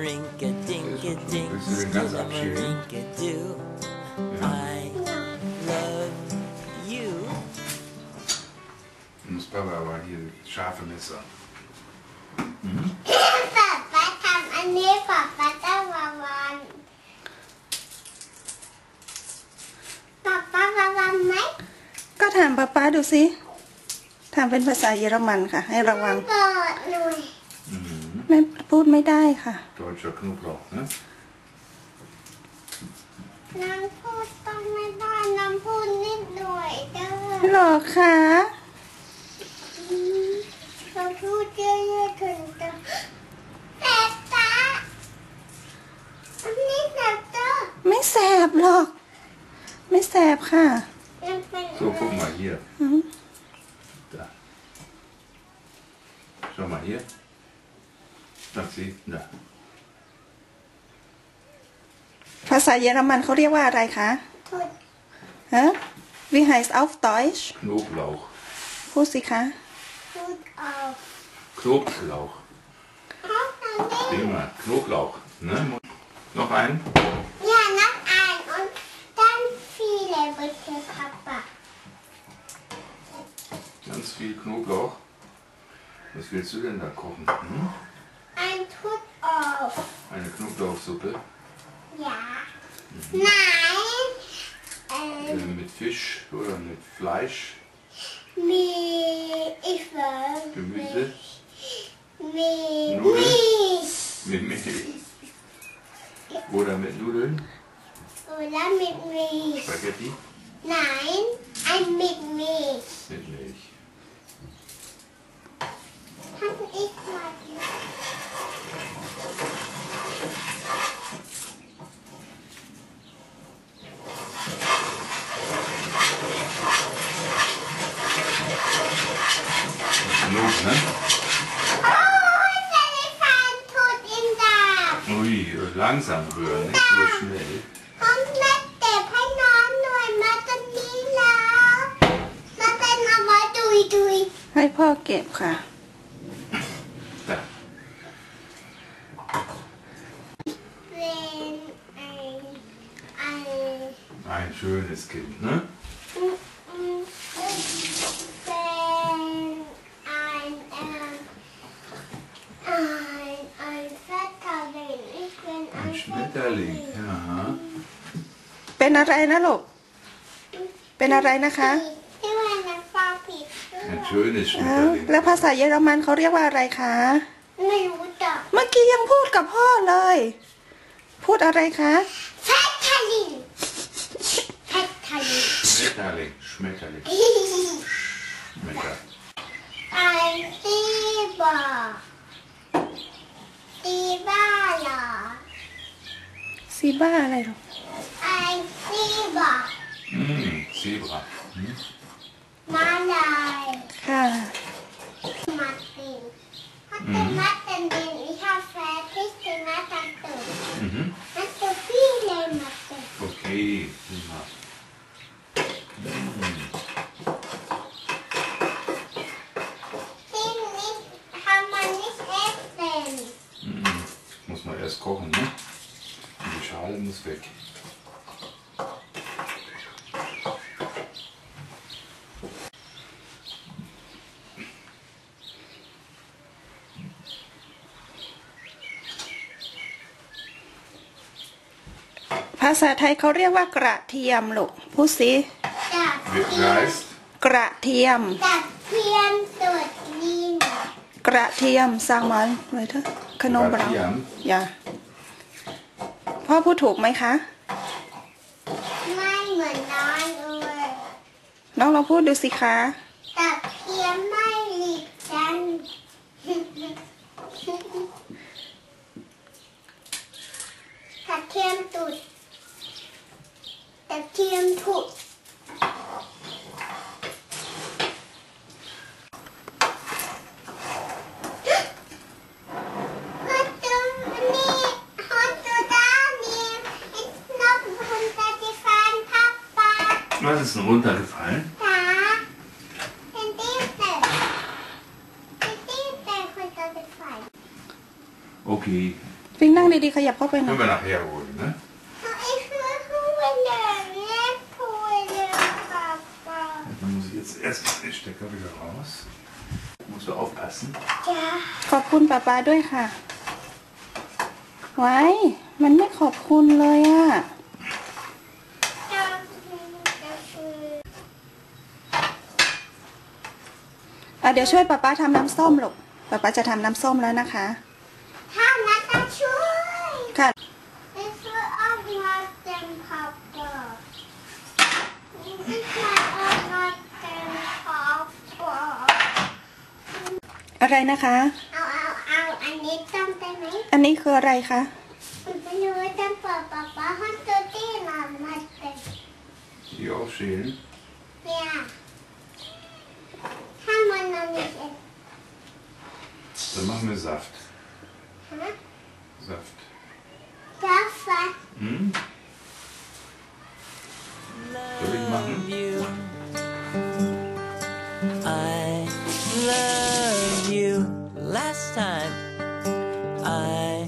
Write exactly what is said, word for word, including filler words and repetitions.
Rinka-dinka-dink, rinka-doo. I love you. Muss Papa aber hier scharfe Messer. Mhm. ป๊าป๊าทำอันนี้ป๊าป๊าต้องวางวันป๊าป๊าวางวันไหมก็ถามป๊าป๊าดูสิถามเป็นภาษาเยอรมันค่ะให้ระวังเปิดหน่อยไม่พูดไม่ได้ค่ะ Deutscher Knoblauch, ne? น้ำพูดต้องไม่ได้น้ำพูดนิดหน่อยเด้อหรอคะน้ำพูดเยอะๆถึงจะแสบตาอันนี้แสบตาไม่แสบหรอก ไม่แสบค่ะมันเป็น So, guck mal hier. อืม Da. Schau mal hier. Das sieht, da. ภาษาเยอรมันเขาเรียกว่าอะไรคะพูดฮะ Wie heißt auf Deutsch Knoblauch. พูดสิคะพูดออก Knoblauch. เขาทำได้ Prima. Knoblauch. Ne? Noch einen? อย่านับอ่านอันด้านฟีเลยบนเทปปะ Ganz viel Knoblauch. Was willst du denn da kochen? Hm? Ein Tut auf. Eine Knoblauchsuppe Ja. Nein. äh, Ähm, mit Fisch oder mit Fleisch, mit, ich weiß Gemüse, mit Nudeln? Milch. mit Milch oder mit Nudeln, Oder mit Milch. Spaghetti Nein, ein mit Milch. mit Milch. Kann ich mal. Genug, ne? Oh, der Elefant tut ihn da. Ui, langsam rühren, nicht so schnell. ผมแม่เจ็บให้น้องหน่อยมาตรงนี้แล้วมาเป็นเอาไว้ดุยดุยให้พ่อเก็บค่ะ Da. เป็นไอ้ไอ้ Ein schönes Kind, ne? อืมอืมเป็นไอ้เอ่อไอ้ไอ้แฟตทาเลนอีกเป็นไอ้ Ein Schmetterling, ja. เป็นอะไรนะลูก เป็นอะไรนะคะที่ว่าน้ำปลาผิด Ein schönes อ้าว Schmetterling. แล้วภาษาเยอรมันเขาเรียกว่าอะไรคะไม่รู้จักเมื่อกี้ยังพูดกับพ่อเลย พูดอะไรคะแฟตทาลินแฟตทาลิน Schmetterling, Schmetterling, Schmetter. ไอ้ตีบอตีบ้าเหรอซีบ้าอะไรหรอไอ้ตีบอ Mm, Zebra. Hm? มาลายค่ะมาตินถ้าเป็นมาตินดินอีชาแฟที่เป็นมาตันตุน Mhm. มาตุพี่เลยมาติน Okay, prima. Mm. ที่นี่ทำมันนี่เอฟเป็น Mm. Muss man erst kochen, ne? Und die Schale muss weg. ภาษาไทยเขาเรียกว่ากระเทียมลูกพูดสิจับ Wie heißt? กระเทียมจับเทียมตุดนินกระเทียมซางมันไว้เถอะขนมบราว Gratien. อย่าพ่อพูดถูกไหมคะไม่เหมือนน้องเลยน้องลองพูดดูสิคะจับเทียมไม่หลีกกันจับเทียมตุดจับเทียมถุด Was ist denn runtergefallen? Ja. Den Dienstag. Den Dienstag runtergefallen. Okay. ฟิงนั่งดีๆขยับเข้าไปหน่อย Können wir nachher holen, ne? Ich will holen, nicht holen, Papa. Dann muss ich jetzt erstmal den Stecker wieder raus. Musst du aufpassen. Ja. ขอบคุณป้าป้าด้วยค่ะไว้มันไม่ขอบคุณเลยอะ อ่ะเดี๋ยวช่วยป้าป้าทำน้ำส้มลูกป้าป้าจะทำน้ำส้มแล้วนะคะถ้านัดจะช่วยค่ะ Ich will auch noch den Papa. Ich will auch noch den Papa. อะไรนะคะเอาเอาเอาอันนี้ต้มได้ไหมอันนี้คืออะไรคะมันไม่รู้ว่าจะเปิดป๊าป๊าให้ตัวที่มามาเต็ม Die aufschälen. เนี่ยถ้ามันnoch nicht ist. Dann machen wir Saft. Hä? Saft. Das war Hm? Soll ich machen? you. I love you. Last time I